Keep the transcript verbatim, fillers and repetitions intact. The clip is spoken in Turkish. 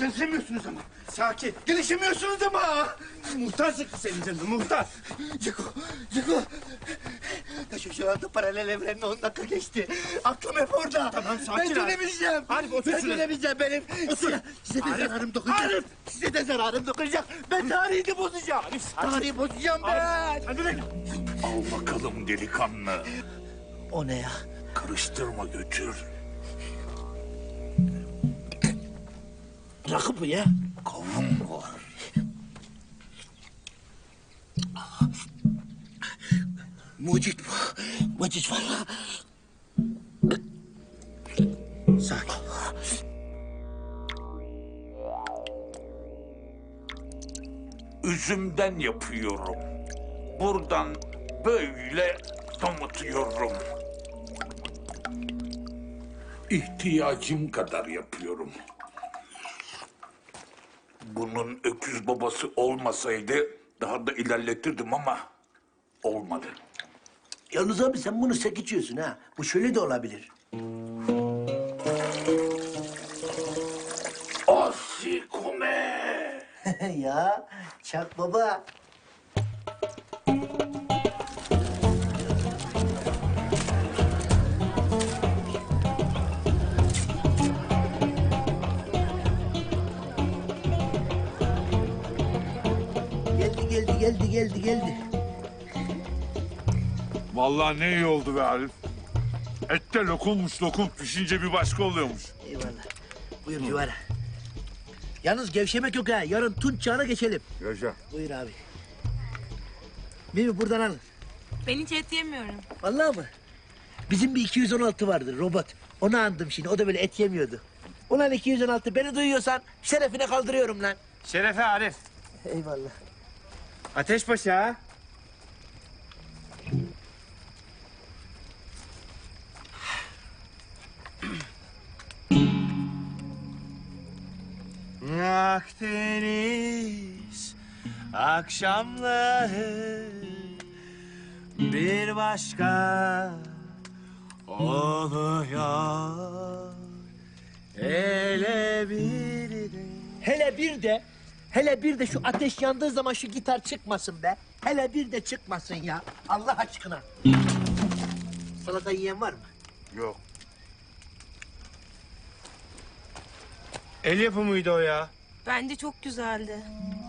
Gelişemiyorsunuz ama. Sakin. Gelişemiyorsunuz ama. Muhtar sıktı senin canını, muhtar. Ceko, Ceko. Taşı şu anda paralel evrenle on dakika geçti. Aklım hep orada. Tamam, sakin Ben Arif. dönemeyeceğim. Arif, otur Ben şuraya. dönemeyeceğim benim. Size, size de Arif. zararım dokunacak. Arif. Size de zararım dokunacak. Ben tarihini bozacağım. Arif, sakin. Tarihi bozacağım ben. Hadi lan. Al bakalım delikanlı. O ne ya? Karıştırma götür. Rakı bu ya. Kavun var. Mucit bu. Mucit valla. Sakin. Üzümden yapıyorum. Buradan böyle damıtıyorum. İhtiyacım kadar yapıyorum. Bunun öküz babası olmasaydı daha da ilerletirdim ama olmadı. Yalnız abi sen bunu sek içiyorsun ha. Bu şöyle de olabilir. Asikome! Ya Çak baba. Geldi geldi geldi geldi geldi. Vallahi ne iyi oldu be Arif. Et de lokummuş lokum. Pişince bir başka oluyormuş. Eyvallah. Buyur Civara. Yalnız gevşemek yok ha. Yarın tunç çağına geçelim. Yaşa. Buyur abi. Mimi buradan al. Ben hiç et yemiyorum. Vallahi mı? Bizim bir iki yüz on altı vardı robot. Onu andım şimdi. O da böyle et yemiyordu. Ulan iki yüz on altı beni duyuyorsan şerefine kaldırıyorum lan. Şerefe Arif. Eyvallah. Ateşbaşı ha. Akdeniz akşamları bir başka oluyor. Hele bir de Hele bir de, hele bir de şu ateş yandığı zaman şu gitar çıkmasın be. Hele bir de çıkmasın ya. Allah aşkına. Salata yiyen var mı? Yok. el yapımıydı o ya. Bence çok güzeldi.